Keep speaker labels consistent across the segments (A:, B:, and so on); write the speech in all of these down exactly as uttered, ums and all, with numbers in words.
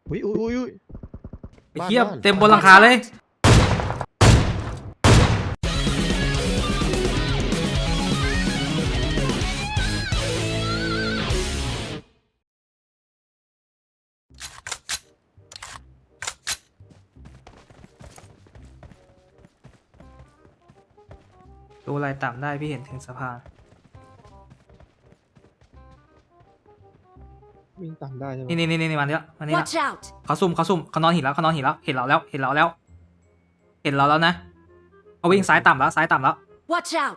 A: อุ้ยอุ้ยอุ้ยอุ้ย
B: ไอ้เหี้ยเต็มบนหลังคาเลยดูอะไรต่ำได้พี่เห็นถึงสะพาน
C: วิ่งต่ำได้ใช่ไหม
B: นี่นี่นี่นี่มันเนี้ยมันนี่ละ
D: Watch out!
B: เขาซุ่มเขาซุ่มเขานอนหินแล้วเขานอนหินแล้วเห็นเราแล้วเห็นเราแล้ว เห็นเราแล้วนะเขาวิ่งซ้ายต่ำแล้วซ้ายต่ำแล้ว
D: Watch out!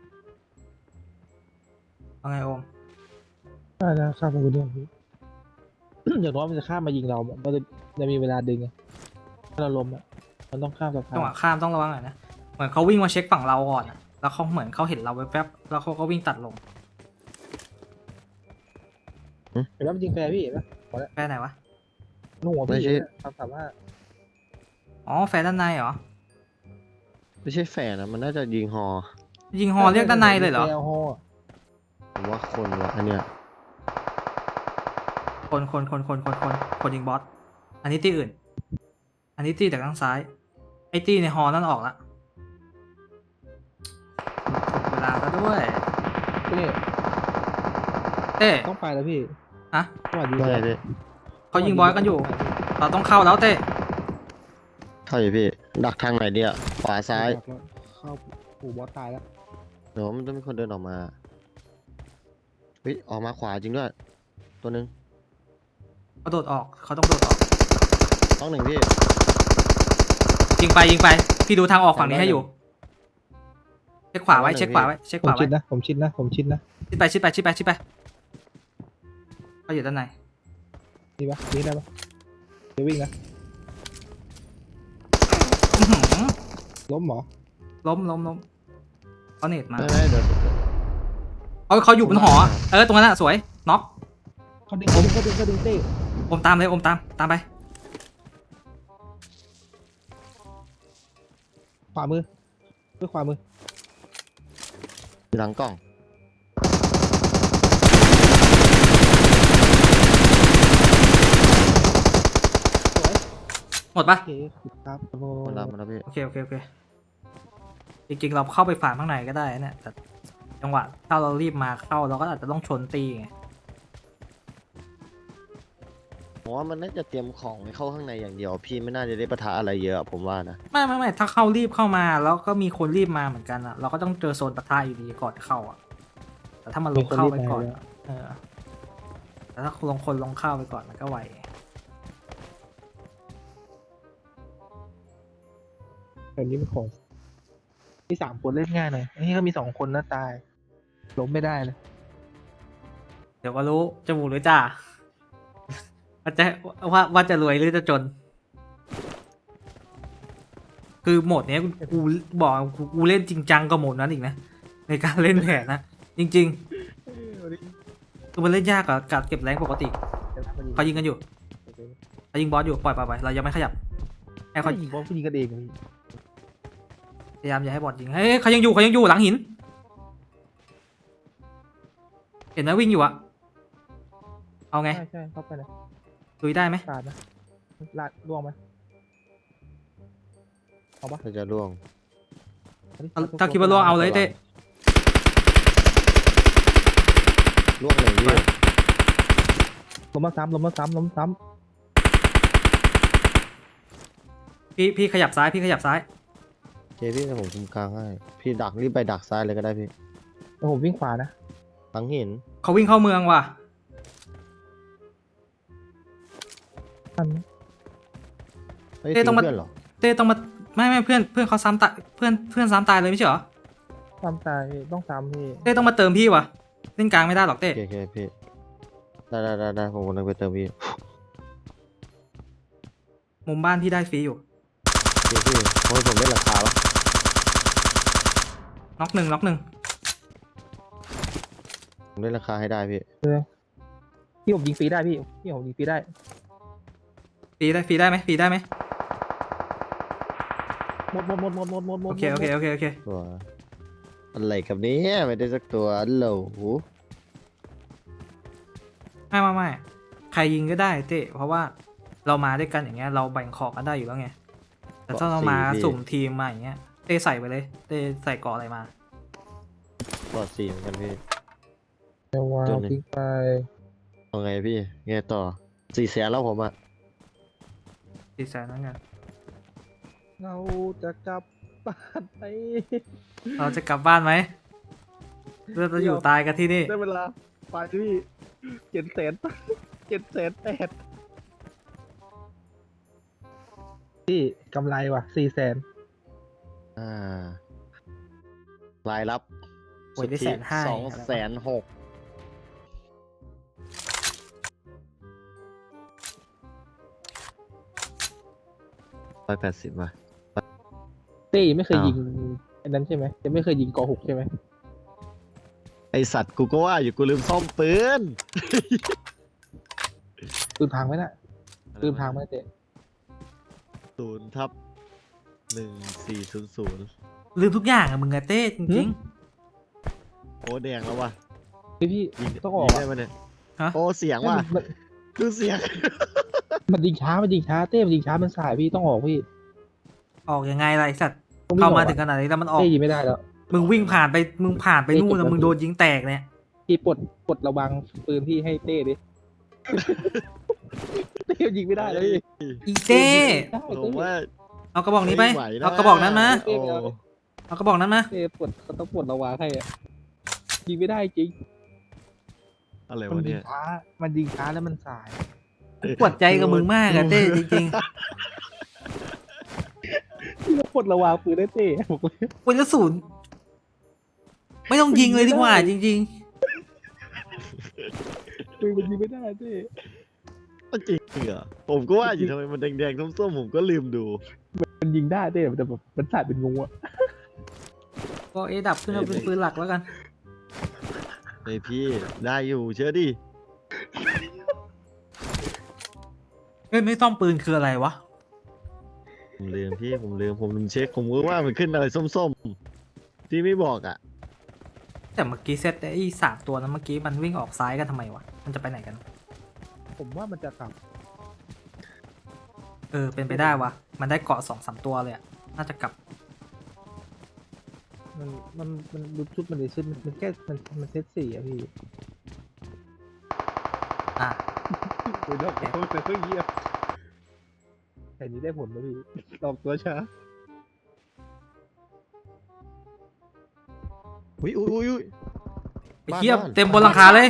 B: ว่าไงโอม
C: ได้นะข้ามไปคนเดียวพี่ อย่างน้อยมันจะข้ามมายิงเรามันจะจะมีเวลาดึงไงถ้าเราล้มอ่ะมันต้องข้ามสะพา
B: จังหวะ
C: น
B: ข้ามต้องระวังหน่อยนะเหมือนเขาวิ่งมาเช็คฝั่งเราก่อนอะแล้วเขาเหมือนเขาเห็นเราแป๊บๆแล้วเขาก็วิ่งตัดลง
C: เห็นไหมมันยิงแฟร์พี่เห็นไหม
B: แฟร์ไหนวะ
C: นุ่งหัวพี่ทำสามารถ
B: อ๋อแฟร์ด้านในเหรอ
A: ไม่ใช่แฝดนะมันน่าจะยิงฮอ
B: ยิงฮอเรียกด้านในเลยเหรอ
C: แฟร์ฮอ
A: ผมว่าคนวะอันเนี้ย
B: คนคนคนคนคนคนคนยิงบอสอันนี้ตีอื่น อันนี้ตีจากทางซ้ายไอ้ตีในฮอนั่นออกละเวลาก็ด้วย
C: พี่
B: เต้
C: ต้องไปแล้วพี่
B: ฮะ
C: จังหวะยิง
A: ว่าไงพี่
B: เขายิงบอสกันอยู่ เราต้องเข้าแล้วเต้
A: เข้าอยู่พี่ดักทางไหนดีอะขวาซ้าย
C: เข้าปู่บอสตายแล้ว
A: เดี๋ยวมันต้องมีคนเดินออกมาเฮ้ยออกมาขวาจริงด้วยตัวหนึง
B: เขาโดดออกเขาต้องโดดออก
A: ต้องหนึ่งพี่
B: ยิงไปยิงไปพี่ดูทางออกฝั่งนี้ให้อยู่เช็คขวาไว้เช็คขวาไว้เช็ค
C: ผ
B: ข
C: ม
B: วา
C: ชิ
B: ไว้
C: ดนะผมชิดนะผมชิดนะ
B: ชิดไปชิดไปชิดไปชิดไปเขาอยู่ด้านใน
C: นี่ปะนี่ได้ปะเดี๋ยววิ่งนะ
B: อื้อหือ
C: ล้มหมอ
B: ล้มล้มล้มเขาเน็ตมา
A: ไม่ไม่เดี๋ยว
B: เขาเขาอยู่บนหอเออตรงนั้นอะสวยน็อก
C: เขาดึงเขาดึงเขาดึงเขาดึงเต้
B: อมตามเลยอมตามตามไป
C: ขวามือเพื่อขวามือ
A: หลังกล้อง
C: สวย
B: หมดปะ
C: โอเคครับโอ้โห
A: มันรับมันแล้วพี่
B: โอเคโอเคโอเคจริงๆเราเข้าไปฝ่าข้างในก็ได้นะแต่จังหวะถ้าเรารีบมาเข้าเราก็อาจจะต้องชนตีไง
A: ผมว่ามันน่าจะเตรียมของไว้เข้าข้างในอย่างเดียว พี่ไม่น่าจะได้ปะทะอะไรเยอะผมว่านะ
B: ไม่ไม่ไม่ถ้าเข้ารีบเข้ามาแล้วก็มีคนรีบมาเหมือนกันอะเราก็ต้องเจอโซนปะทะอยู่ดีก่อนเข้าอะแต่ถ้ามันลงเข้าไปก่อนอะเออแต่ถ้าลงคนลงเข้าไปก่อนมันก็ไหว
C: แบบนี้เป็นของมีสามคนเล่นง่ายหน่อยอันนี้ก็มีสองคนนะตายล้มไม่ได้เลย
B: เดี๋ยวก็รู้จะบูหรือจ่าว่าจะว่าว่าจะรวยหรือจะจน คือโหมดเนี้ยกูกูบอกกูกูเล่นจริงจังกับโหมดนั้นอีกนะในการเล่นแผนนะจริงๆคือมันเล่นยากกว่าการเก็บแรงปกติเขายิงกันอยู่เขายิงบอสอยู่ปล่อยไปไปเรายังไม่ขยับให้
C: เขา
B: เขา
C: ยิงบอลผู้ยิงกันเอง
B: พยายามอย่าให้บอสยิงเฮ้ยเขายังอยู่เขายังอยู่หลังหิน เห็นไหมวิ่งอยู่อะเอาไง
C: ใช่ใช่เข้าไปนะ
B: ลุยได้ไหม
C: ตาดนะลาดล่วงไหมเอาปะ
A: ถ้าจะล่วง
B: เอาถ้าคิดว่าล่วงเอาเลยเต้
A: ล่วงหนึ่งพี่
C: ล้มมาซ้ำล้มมาซ้ำล้มซ้
B: พี่พี่ขยับซ้ายพี่ขยับซ้าย
A: เจพี่ให้ผมคุมกลางให้พี่ดักรีบไปดักซ้ายเลยก็ได้พี่
C: ำแล้วผมวิ่งขวานะ
A: หลังหิน
B: เขาวิ่งเข้าเมืองว่ะ
C: ทัน
A: เฮ้ย
B: เต้ต้องมา
A: เพื่อนเหรอ
B: เต้ต้องมาไม่ไม่เพื่อนเพื่อนเขาซ้ำตายเพื่อนเพื่อนซ้ำตายเลยไม่ใช่เหรอ
C: ซ้ำตายพี่ต้องซ้ำพี่
B: เต้ต้องมาเติมพี่ว่ะเล่นกลางไม่ได้หรอกเต้
A: โอเคโอเคพี่ได้ได้ได้ได้ผมกำลังไปเติมพี่
B: มุมบ้านพี่ได้ฟรีอยู่
A: โอเคพี่โอ้ยผมได้ราคาปะ
B: น็อกหนึ่งน็อกหนึ่ง
A: ผมได้ราคาให้ได้พี่
C: พี่ผมยิงฟรีได้พี่พี่ผมยิงฟรีได้
B: ฟรีได้ฟรีได้ไหมฟรีได้ไหม
C: หมดหมดหมดหมดหมดหมดหมด
B: โอเคโอเคโอเคโอเค
A: ตัวอะไรกับเนี้ไม่ได้สักตัวอัลโหล
B: ไม่ไม่ไม่ใครยิงก็ได้เต้เพราะว่าเรามาด้วยกันอย่างเงี้ยเราแบ่งของกันได้อยู่แล้วไงแต่ถ้าเรามาสุ่มทีมมาอย่างเงี้ยเต้ใส่ไปเลยเต้ใส่เกาะอะไรมา
A: ปอดสี่เหมือนกันพี่
C: เดี๋ยววาง
A: ตัวหนึ่ง
C: ทิ้งไป
A: เอาไงพี่ไงต่อสี่แสนแล้วผมอ่ะ
B: สี่แสนนั่นไง
C: เราจะกลับบ้านไป
B: เราจะกลับบ้านไหมเราจะอยู่ตายกันที่นี่
C: ได้เวลาไปพี่เจ็ดแสนเจ็ดแสนแปดพี่กำไรว่ะสี่แสน
A: อ่ารายรับ
B: โอ้ยได้แสนห้า
A: สองแสนหกร้อยแปดสิบว่ะ
C: เต้ไม่เคย
A: อ้าว
C: ยิงไอ้นั้นใช่ไหมจะไม่เคยยิงกอหกใช่ไหม
A: ไอสัตว์กูก็ว่าอยู่กูลืมซ่อมปืน
C: ปืนพังไหมน่ะปืนพังไหมเต้
A: ศูนย์ทับหนึ่งสี่ศูนย์ศูนย์
B: ลืมทุกอย่างอะมึงอะเต้จริง
A: โอ้แดงแล้วว่ะ
C: พี่พี่
A: ยิง
C: ต้องออก
A: ยิง
C: อะ
A: ได้ไหมเนี่ย
B: ฮะ
A: โอ้เสียงว่ะ
C: มัน
A: ดูเสียง
C: มันยิงช้ามันยิงช้าเต้มันยิงช้ามันสายพี่ต้องออกพี่
B: ๆออกยังไงล่ะไอสัตว์
C: ต้องวิ่
B: เข้าง
C: ออก
B: มา
C: อะ
B: ถึงขนาดนี้แล้วมันออก
C: เต้ยิงไม่ได้แล้ว
B: มึงวิ่งผ่านไปมึงผ่านไปนู่นแล้วมึงโดนยิงแตกเนี่ย
C: พี่ปลดปลดระวังปืนพี่ให้เต้ดิ เต้ยิงไม่ได้แล้วพี่
B: อีเต้
C: ได้
A: ผ
C: เต้
A: มว่า
B: เอากระบอกนี้ไป
A: ม่หวะ
B: เอากระบอกนั้นมา
A: โอ้
B: เอากระบอกนั้นมา
C: เต้ปลดเขาต้องปลดระวังให้อะยิงไม่ได้จริง
A: อะไร
C: มัน
A: วะ
C: ยิ
A: เนี่
C: ง
A: ย
C: ช้ามันยิงช้าแล้วมันสาย
B: ปวดใจกับมึงมากอะเต้จริง
C: พี่ต้องปลดระวังปืนได้เต้บอกเลย
B: ๆปืนกระสุนไม่ต้องยิงเลยดีกว่าจริง
C: ปืนมันยิงไม่ได้เต้
A: จริงเหรอผมก็ว่าอยู่ทำไมมันแดงๆส้มๆผมก็ลืมดู
C: มันยิงได้เต้แต่แบบมันสายเป็นงูอะ
B: ๆก็เอดับขึ้นมาเป็นปืนหลักแล้วกัน
A: ไอพี่ได้อยู่เชื่อดิ
B: เฮ้ยไม่ต้องปืนคืออะไรวะ
A: ผมลืมพี่ผมลืมผมลืมเช็คผมก็ว่ามันขึ้นอะไรส้มๆที่ไม่บอกอ่ะ
B: แต่เมื่อกี้เซตไอ้สามตัวนั้นเมื่อกี้มันวิ่งออกซ้ายกันทำไมวะมันจะไปไหนกัน
C: ผมว่ามันจะกลับ
B: เออเป็นไปได้วะมันได้เกาะสองสามตัวเลยอะน่าจะกลับ
C: มันมันมันดูชุดมันเลยชุดมันมันแค่มันมันเซตสี่อะพี่
B: อ่ะ
C: โอ้ยดอกเขาแต่เพิ่งเยี่ยมแต่นี้ได้ผลนะพี่ดอกตัวช้า
A: อุ้ยอุ้ยอุ้ยอุ้ย
B: ไอ้เทียบ
A: บ้าน
B: เต็มบนหลังคาเลย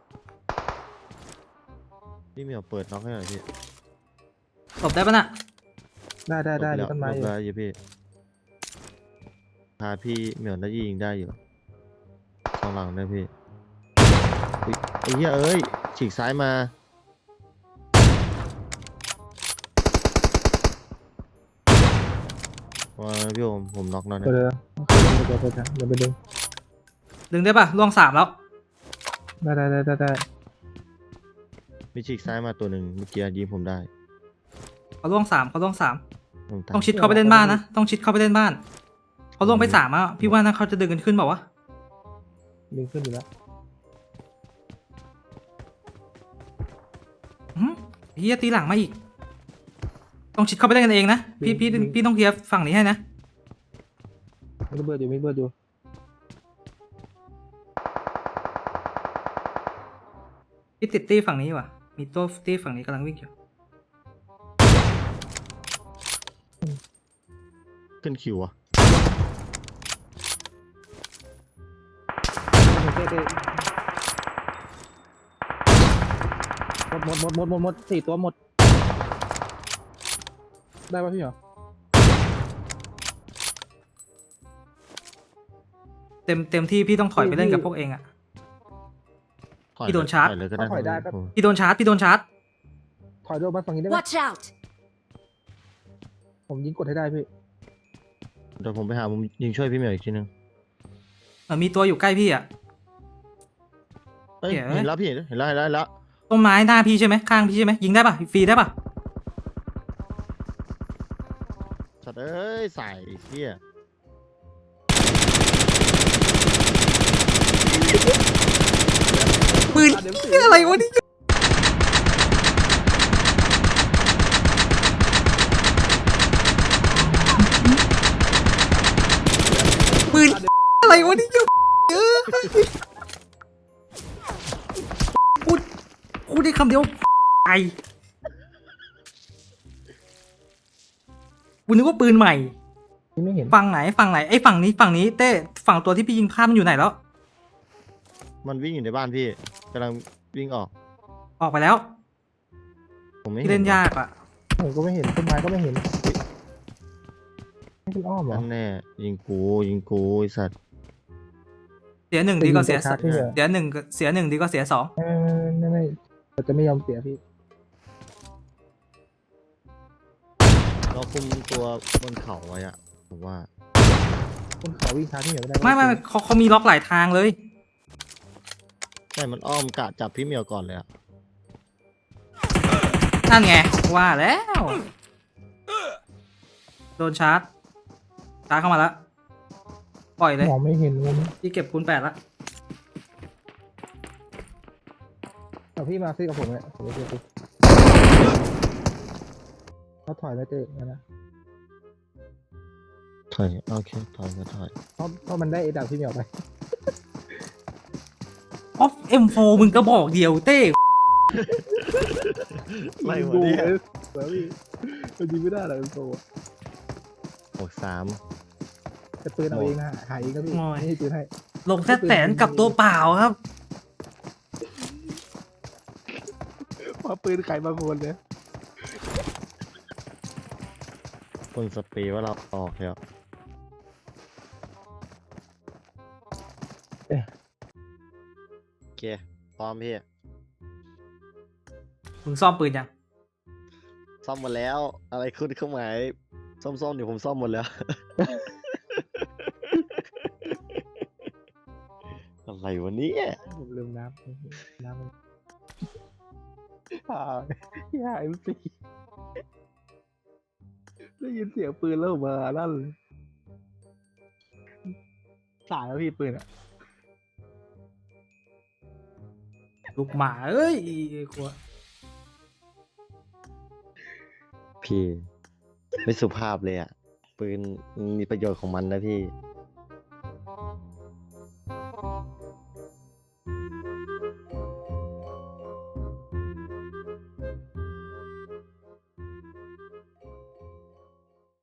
A: พี่เหมียวเปิดน็อกให้หน่อยพี่
B: ตบได้ปะน่ะ
C: ได้ได้ได้
A: หล
C: มี
A: บ
C: ต้นไม้
A: หล
C: อบ ยู่
A: แล้วอยู่พี่พาพี่เหมียวน่าจะยิงได้อยู่ข้างหลังนะพี่อุ๊ยไอ้เหี้ยเอ้ยฉีกซ้ายมาว่าพี่ผมผมน็อกแล้ว
C: เดี๋
A: นะ
C: ยวเดี๋ยวเดี๋ยวเดี๋ยวเดี๋ยวไปดึง
B: ดึงได้ปะล่วงสามแล้ว
C: ได้ได้ได้ได้ได้
A: มีฉีกซ้ายมาตัวหนึ่งเมื่อกี้ยิงผมได้
B: เขาล่วงสามเขาล่วงสาม
A: ผมตาย
B: ต้องชิดเข้าไปเล่นบ้านนะต้องชิดเข้าไปเล่นบ้านเขาล่วงไปสามอ่ะพี่ว่านะเขาจะดึงกันขึ้นเปล่าวะ
C: ดึงขึ้นอยู่แล้ว
B: อื้อหือเฮียตีหลังมาอีก ต้องชิดเข้าไปเล่นกันเองนะพี่พี่พี่ต้องเคลียร์ฝั่งนี้ให้นะ
C: ไม่เบิดอยู่ไม่เบิดอยู่
B: พี่ติดตี้ฝั่งนี้ว่ะมีตัวตี้ฝั่งนี้กำลังวิ่งอยู่
A: ขึ้นคิวอะ
C: เต้เต้หมดหมดหมดหมดหมดหมดสี่ตัวหมด ได้ป่ะพี่เหรอ
B: เต็มเต็มที่พี่ต้องถอยไปเล่นกับพวกเองอ่ะ
A: ถอย
B: พี่โดนชาร์จ
A: ถอยเลยก็ได้
C: ถอยได้ก็
A: ผม
B: พี่โดนชาร์จพี่โดนชาร์จ
C: ถอยโดนมาฝั่งนี้ได้ไหม
D: Watch out!
C: ผมยิงกดให้ได้พี่
A: เดี๋ยวผมไปหาผมยิงช่วยพี่เหมียวอีกทีนึง
B: เหมือนมีตัวอยู่ใกล้พี่อ่ะ
A: เอ้ย
B: เดี๋ยว
A: เห็นแล้วพี่เห็นเห็นแล้วเห็นแล้วเห็นแล้ว
B: ต้นไม้หน้าพี่ใช่ไหมข้างพี่ใช่ไหมยิงได้ปะฟรีได้ปะ
A: สัตว์เอ้ยใส่เหี้ย
B: ปืน
C: เดี๋ยว
B: นี่อะไรวะนี่วะนี่เออพูดพูดได้คำเดียวไอกูนึกว่าปืนใหม่
C: พี่ไม่เห็น
B: ฝั่งไหนฝั่งไหนไอ้ฝั่งนี้ฝั่งนี้เต้ฝั่งตัวที่พี่ยิงพลาดมันอยู่ไหนแล้ว
A: มันวิ่งอยู่ในบ้านพี่กำลังวิ่งออก
B: ออกไปแล้ว
A: ผมไม่
B: ที่
A: เห็
B: เล่น
A: ว่ะ
B: ยากอ่ะ
C: ผมก็ไม่เห็นต้นไม้ก็ไม่เห็นไม่เป็นอ้อมเหรอ
A: นั่นแน่ยิงกูยิงกูไอสัตว์
B: เสียหนึ่งดีกว่าเสีย
C: ชาร์จที่เหลือ
B: เสียหนึ่งเสียหนึ่งดีกว่าเสียสอง
C: ไม่ไม่ไม่เราจะไม่ยอมเสียพี่
A: เราคุมตัวบนเขาไว้อะผมว่า
C: คนเขาวิ่งชาร์จที่เหลือไม่ได้
B: ไม่ไม่เขาเขามีล็อกหลายทางเลย
A: ใช่มันอ้อมกะจับพี่เหมียวก่อนเลยอะ
B: นั่นไงว่าแล้ว โดนชาร์จชาร์จเข้ามาแล้วปล่อยเลย
C: มองไม่เห็นมุม
B: พี่เก็บคูณแปดละ
C: เอาพี่มาซื้อกับผมเลยผมจะซื้อพี่เขาถอยไม่เจอนะ
A: ถอยโอเคถอยก็ถอย
C: เพราะเพราะมันได้เอดับพี่เหมียวไป
B: ออฟเอ็มโฟมึงก็บอกเดียวเต้
A: ไล่หมด
C: ดู
A: เนี่ย
C: เอสเสือพี่มันยิงไม่ได้หรอกเป็นโซ่
A: หกสาม
C: จะปืนเอาเองนะหายเองก็พี่ไม่ให้ปืนให้
B: ลงแค่แสนกับตัวเปล่าครับ
C: เพราะปืนใครบางคนเนี่ย
A: คนสเปรย์ว่าเราออกแล้วโอเคพร้อมพี่
B: มึงซ่อมปืนยัง
A: ซ่อมหมดแล้ว อะไรขึ้นเครื่องหมายส้มๆเดี๋ยวผมซ่อมหมดแล้ว อะไรวะเนี่ย
C: ผมลืมน้ำน้ำมันอ่าอย่าเอ็มซีได้ยินเสียงปืนแล้วผมมาลั่นเลยสายแล้วพี่ปืนอ่ะ
B: ลูกหมาเอ้ยกลัว
A: พี่ ไม่สุภาพเลยอ่ะ ปืนมีประโยชน์ของมันนะพี่